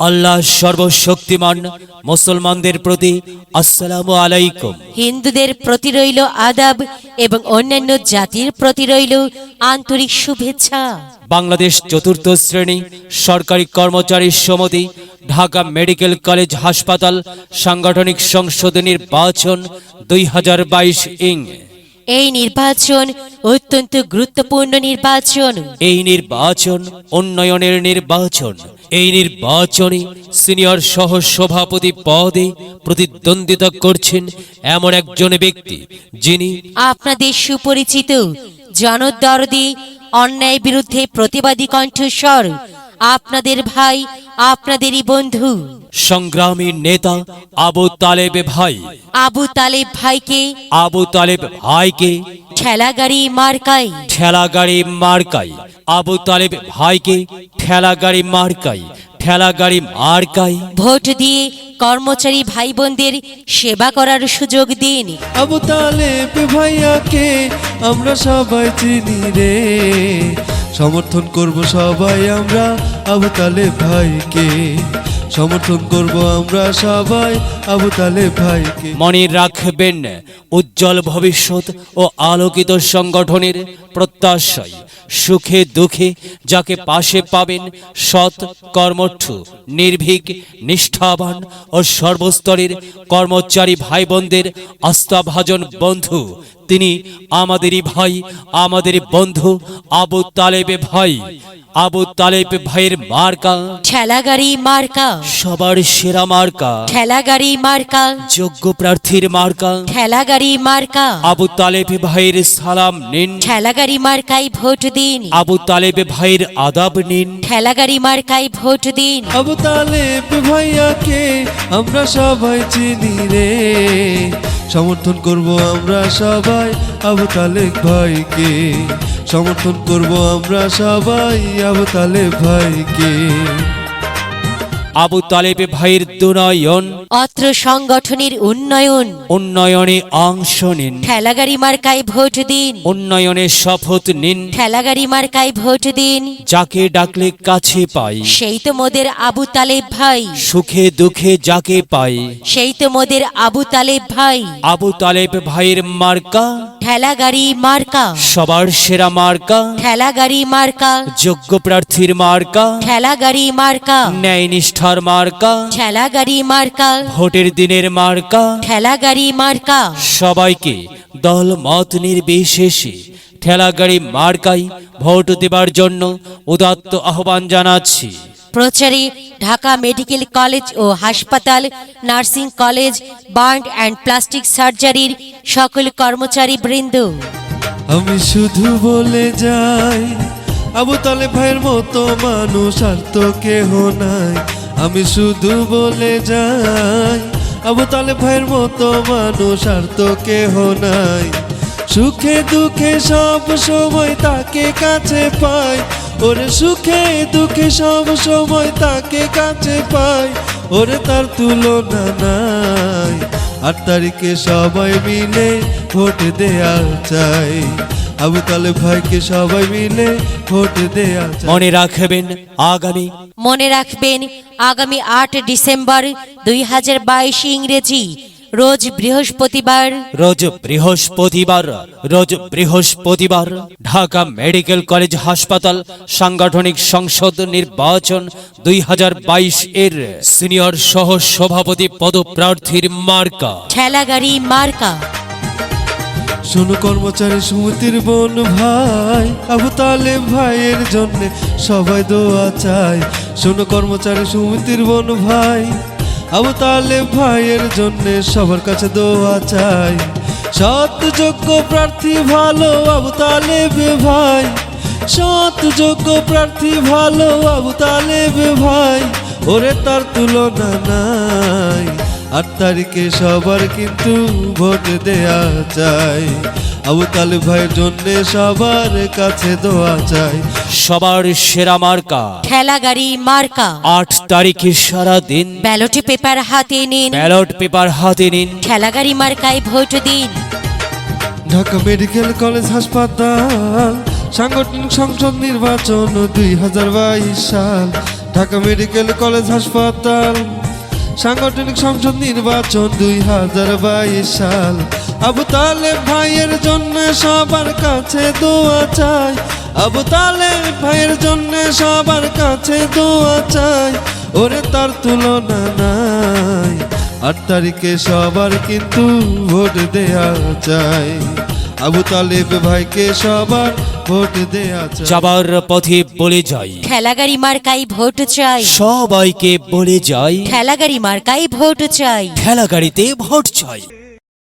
আল্লাহ সর্বশক্তিমান। মুসলমানদের প্রতি আসসালামু আলাইকুম। হিন্দুদের প্রতি রইল আদাব এবং অন্যান্য জাতির প্রতি রইল আন্তরিক শুভেচ্ছা। বাংলাদেশ চতুর্থ শ্রেণী সরকারি কর্মচারী সমিতি, ঢাকা মেডিকেল কলেজ হাসপাতাল সাংগঠনিক সংসদ নির্বাচন 2022 ইং। এই নির্বাচন অত্যন্ত গুরুত্বপূর্ণ নির্বাচন। এই নির্বাচন উন্নয়নের নির্বাচন। এই নির্বাচনে সিনিয়র সহ সভাপতি পদে প্রতিদ্বন্দ্বিতা করছেন এমন একজন ব্যক্তি যিনি আপনাদের সুপরিচিত, জনদরদি, অন্যায় বিরুদ্ধে প্রতিবাদী কণ্ঠস্বর, আপনাদের ভাই, আপনাদেরই বন্ধু, সংগ্রামী নেতা আবু তালেব ভাই। আবু তালেব ভাইকে আবু তালেব ভাইকে ঠেলাগাড়ি মার্কায়, ঠেলাগাড়ি মার্কাই। আবু তালেব ভাইকে ঠেলাগাড়ি মার্কাই, ঠেলাগাড়ি মার্কাই ভোট দিয়ে কর্মচারী ভাই বোনদের সেবা করার সুযোগ দিন। আবু তালেব ভাইয়াকে আমরা সবাই চিনি রে, সমর্থন করব সবাই আমরা আবু তালেব ভাইকে, সমর্থন করব আমরা সবাই আবু তালেব ভাইকে। মনে রাখবেন, উজ্জ্বল ভবিষ্যৎ ও আলোকিত সংগঠনের প্রত্যাশায় সুখে দুঃখে যাকে পাশে পাবেন, সৎ, কর্মঠ, নির্ভীক, নিষ্ঠাবান ও সর্বস্তরের কর্মচারী ভাই বোনদের আস্থাভাজন বন্ধু, তিনি আমাদেরই ভাই, আমাদেরই বন্ধু আবু তালেব ভাই। আবু তালেব ভাইয়ের মার্কা ঠেলাগাড়ি মার্কা, সবার সেরা মার্কা, ঠেলাগাড়ি মার্কা, যোগ্য প্রার্থীর মার্কা। ঠেলাগাড়ি মার্কা। আবু তালেব ভাইয়ের সালাম নিন, ঠেলাগাড়ি মার্কায় ভোট দিন। আবু তালেব ভাইয়ের আদাব নিন। ঠেলাগাড়ি মার্কায় ভোট দিন। আবু তালেব ভাইয়াকে আমরা সবাই চিনি রে, সমর্থন করব আমরা সবাই আবু তালেব ভাইকে, সমর্থন করব আমরা সবাই আবু তালেব ভাইকে। আবু তালেব ভাইয়ের দুনয়ন, অত্র সংগঠনের উন্নয়ন, উন্নয়নে অংশ নিন। ঠেলাগাড়ি মার্কায় ভোট দিন। উন্নয়নে শপথ নিন। ঠেলাগাড়ি মার্কায় ভোট দিন। যাকে ডাকলে কাছে পাই, সেই তো মোদের আবু তালেব ভাই, সুখে দুঃখে যাকে পাই। সেই তো মোদের আবু তালেব ভাই। আবু তালেব ভাইয়ের মার্কা ঠেলাগাড়ি মার্কা, সবার সেরা মার্কা, ঠেলাগাড়ি মার্কা, যোগ্য প্রার্থীর মার্কা, ঠেলাগাড়ি মার্কা, ন্যায় নিষ্ঠার মার্কা, ঠেলাগাড়ি মার্কা, ভোটের দিনের মার্কা। ঠেলাগাড়ি মার্কা। সবাইকে দল মত নির্বিশেষে ঠেলাগাড়ি মার্কাই ভোট দেবার জন্য উদাত্ত আহ্বান জানাচ্ছি। প্রচারে ঢাকা মেডিকেল কলেজ ও হাসপাতাল, nursing college, burn and plastic সার্জারির সকল কর্মচারী বৃন্দ। আমি শুধু বলে যাই, আবু তালেব ভাইয়ের মতো মানুষ আর তো কেহ নাই। আমি শুধু বলে যাই, আবু তালেব ভাইয়ের মতো মানুষ আর তো কেহ নাই। সুখে দুঃখে সব সময় তাকে কাছে পাই, ওরে সুখে দুঃখে সব সময় তাকে কাছে পাই, ওরে তার তুলনা নাই। 8 তারিখে সবাই মিলে ভোট দেয়া চাই, আবু তালেব ভাইকে সবাই মিলে ভোট দেয়া চাই। মনে রাখবেন, মনে রাখবেন, আগামী 8 ডিসেম্বর 2022 ইংরেজি রোজ বৃহস্পতিবার, রোজ বৃহস্পতিবার ঢাকা মেডিকেল কলেজ হাসপাতাল সাংগঠনিক সংসদ নির্বাচন 2022 এর সিনিয়র সহ সভাপতি পদপ্রার্থীর মার্কা ঠেলাগাড়ি মার্কা। শোনো কর্মচারী সমিতির বোন ভাই, আবু তালেব ভাইয়ের জন্য সবাই দোয়া চাই। শোনো কর্মচারী সমিতির বোন ভাই, আবু তালেব ভাইয়ের জন্য সবার কাছে দোয়া চাই। সৎ যোগ্য প্রার্থী ভালো আবু তালেব ভাই, সৎ যোগ্য প্রার্থী ভালো আবু তালেব ভাই, ওরে তার তুলনা নাই। 8 তারিখে সবার কিন্তু ভোট দেয়া চাই, আবু তালেব ভাইয়ের জন্য সবার কাছে দোয়া চাই। সবার সেরা মার্কা ঠেলাগাড়ি মার্কা। 8 তারিখে সারা দিন ব্যালট পেপার হাতে নিন, ব্যালট পেপার হাতে নিন। ঠেলাগাড়ি মার্কায় ভোট দিন। ঢাকা মেডিকেল কলেজ হাসপাতাল সাংগঠনিক সংসদ নির্বাচন 2022 সাল, ঢাকা মেডিকেল কলেজ হাসপাতাল, সাংগঠনিক সংসদ নির্বাচন 2022 সাল। আবু তালেব ভাইয়ের জন্য সবার কাছে দোয়া চাই, আবু তালেব ভাইয়ের জন্য সবার কাছে দোয়া চাই, ওরে তার তুলনা নাই। 8 তারিখে সবার কিন্তু ভোট দেয়া চাই, আবু তালেব ভাইকে সবার ভোট দেয়া চাই। যাবার পথে বলে যাই, ঠেলাগাড়ি মার্কাই ভোট চাই, সবাইকে বলে যাই, ঠেলাগাড়ি মার্কাই ভোট চাই। ঠেলা গাড়িতে ভোট চাই।